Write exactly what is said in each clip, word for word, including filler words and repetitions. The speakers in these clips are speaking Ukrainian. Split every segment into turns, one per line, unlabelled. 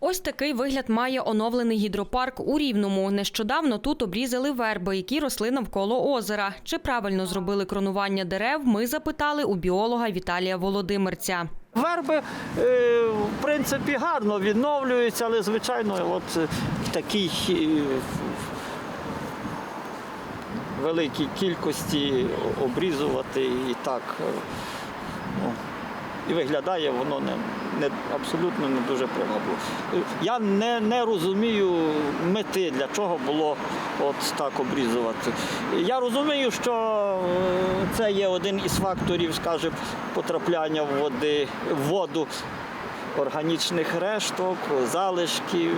Ось такий вигляд має оновлений гідропарк у Рівному. Нещодавно тут обрізали верби, які росли навколо озера. Чи правильно зробили кронування дерев, ми запитали у біолога Віталія Володимирця.
Верби, в принципі, гарно відновлюються, але, звичайно, от в такій великій кількості обрізувати і так, ну, і виглядає воно не, не, абсолютно не дуже привабливо. Я не, не розумію мети, для чого було от так обрізувати. Я розумію, що це є один із факторів, скажімо, потрапляння в, води, в воду органічних решток, залишків.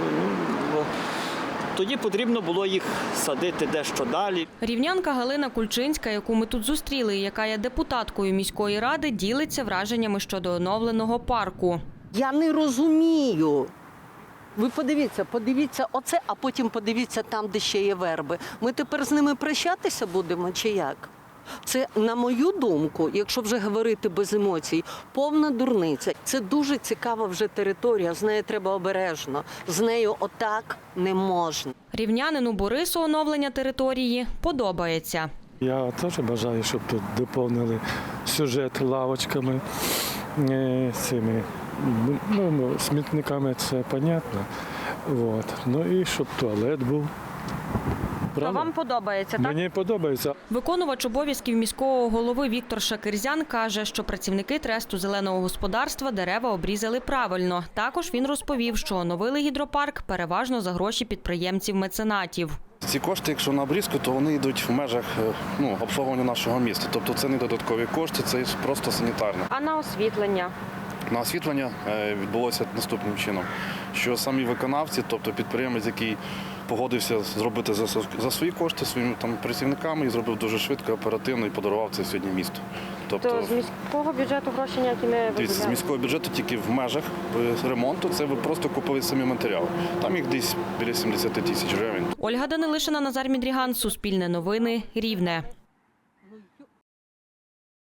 Тоді потрібно було їх садити дещо далі.
Рівнянка Галина Кульчинська, яку ми тут зустріли, і яка є депутаткою міської ради, ділиться враженнями щодо оновленого парку.
Я не розумію. Ви подивіться, подивіться оце, а потім подивіться там, де ще є верби. Ми тепер з ними прощатися будемо чи як? Це, на мою думку, якщо вже говорити без емоцій, повна дурниця. Це дуже цікава вже територія, з нею треба обережно. З нею отак не можна.
Рівнянину Борису оновлення території подобається.
Я теж бажаю, щоб тут доповнили сюжет лавочками, е, цими, ну, смітниками, це понятно. Вот. Ну і щоб туалет був. Правда?
Вам подобається, так?
Мені подобається.
Виконувач обов'язків міського голови Віктор Шакирзян каже, що працівники тресту зеленого господарства дерева обрізали правильно. Також він розповів, що оновили гідропарк переважно за гроші підприємців-меценатів.
Ці кошти, якщо на обрізку, то вони йдуть в межах ну, обслуговування нашого міста. Тобто це не додаткові кошти, це просто санітарне.
А на освітлення?
На освітлення відбулося наступним чином, що самі виконавці, тобто підприємець, який погодився зробити за, за свої кошти своїми там працівниками і зробив дуже швидко, оперативно і подарував це сьогодні місту.
Тобто, то з міського бюджету гроші ніякі не виділяли?
З міського бюджету тільки в межах ремонту це ви просто купили самі матеріали. Там їх десь біля сімдесят тисяч гривень.
Ольга Данилишина, Назар Мідріган, Суспільне новини, Рівне.